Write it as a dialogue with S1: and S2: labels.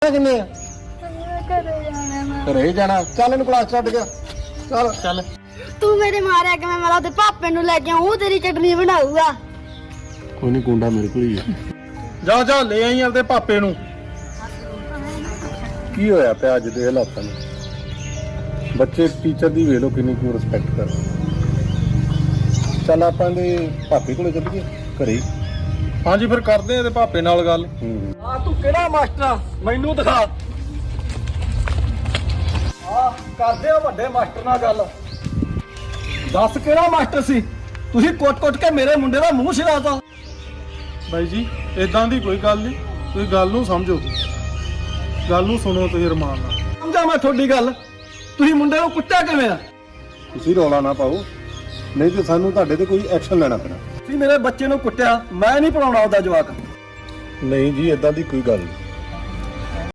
S1: ਕਿੰਨੇ ਆ ਘਰੇ ਜਾਣਾ। ਚੱਲ ਇਹਨੂੰ ਕਲਾਸ ਛੱਡ ਗਿਆ। ਚੱਲ ਚੱਲ।
S2: ਤੂੰ ਮੇਰੇ ਮਾਰਿਆ ਕਿ ਮੈਂ ਤੇ ਪਾਪੇ ਨੂੰ ਲੈ ਕੇ ਆਉਂ, ਤੇਰੀ ਚਟਨੀ ਬਣਾਊਗਾ।
S1: ਕੋਈ ਨਹੀਂ, ਕੁੰਡਾ ਮੇਰੇ ਕੋਲ ਹੀ ਆ। ਜਾ ਜਾ ਲੈ ਆਈ ਆਪਦੇ ਪਾਪੇ ਨੂੰ। ਕੀ ਹੋਇਆ ਪਿਆ ਅੱਜ ਦੇ ਹਾਲਾਤਾਂ ਨੂੰ? ਬੱਚੇ ਟੀਚਰ ਦੀ ਵੇਖ ਲੋ ਕਿੰਨੀ ਕੁ ਰਿਸਪੈਕਟ ਕਰ। ਚੱਲ ਆਪਾਂ ਦੇ ਪਾਪੇ ਕੋਲੇ ਚੱਲੀਏ ਘਰੇ। ਹਾਂਜੀ ਫਿਰ ਕਰਦੇ ਆ ਇਹਦੇ ਪਾਪੇ ਨਾਲ ਗੱਲ। ਆ ਤੂੰ ਕਿਹੜਾ ਮਾਸਟਰ ਆ ਮੈਨੂੰ ਦਿਖਾ। ਆ ਕਰਦੇ ਆ ਵੱਡੇ ਮਾਸਟਰ ਨਾਲ ਗੱਲ। ਦੱਸ ਕਿਹੜਾ ਮਾਸਟਰ ਸੀ? ਤੁਸੀਂ ਕੁੱਟ-ਕੁੱਟ ਕੇ ਮੇਰੇ ਮੁੰਡੇ ਦਾ ਮੂੰਹ ਛਿਲਾਤਾ। ਬਾਈ ਜੀ ਇਦਾਂ ਦੀ ਕੋਈ ਗੱਲ ਨਹੀਂ, ਤੁਸੀਂ ਗੱਲ ਨੂੰ ਸਮਝੋ, ਗੱਲ ਨੂੰ ਸੁਣੋ ਤੁਸੀਂ ਰਮਾਨ ਨਾਲ। ਸਮਝਾ ਮੈਂ ਤੁਹਾਡੀ ਗੱਲ। ਤੁਸੀਂ ਮੁੰਡੇ ਨੂੰ ਕੁੱਟਿਆ ਕਿਵੇਂ ਆ? ਤੁਸੀਂ ਰੌਲਾ ਨਾ ਪਾਓ, ਨਹੀਂ ਤੇ ਸਾਨੂੰ ਤੁਹਾਡੇ ਤੇ ਕੋਈ ਐਕਸ਼ਨ ਲੈਣਾ ਪੈਣਾ। ਤੁਸੀਂ ਮੇਰੇ ਬੱਚੇ ਨੂੰ ਕੁੱਟਿਆ, ਮੈਂ ਨਹੀਂ ਪੜਾਉਣਾ ਉਹਦਾ ਜਵਾਕ। ਨਹੀਂ ਜੀ ਇਦਾਂ ਦੀ ਕੋਈ ਗੱਲ ਨਹੀਂ।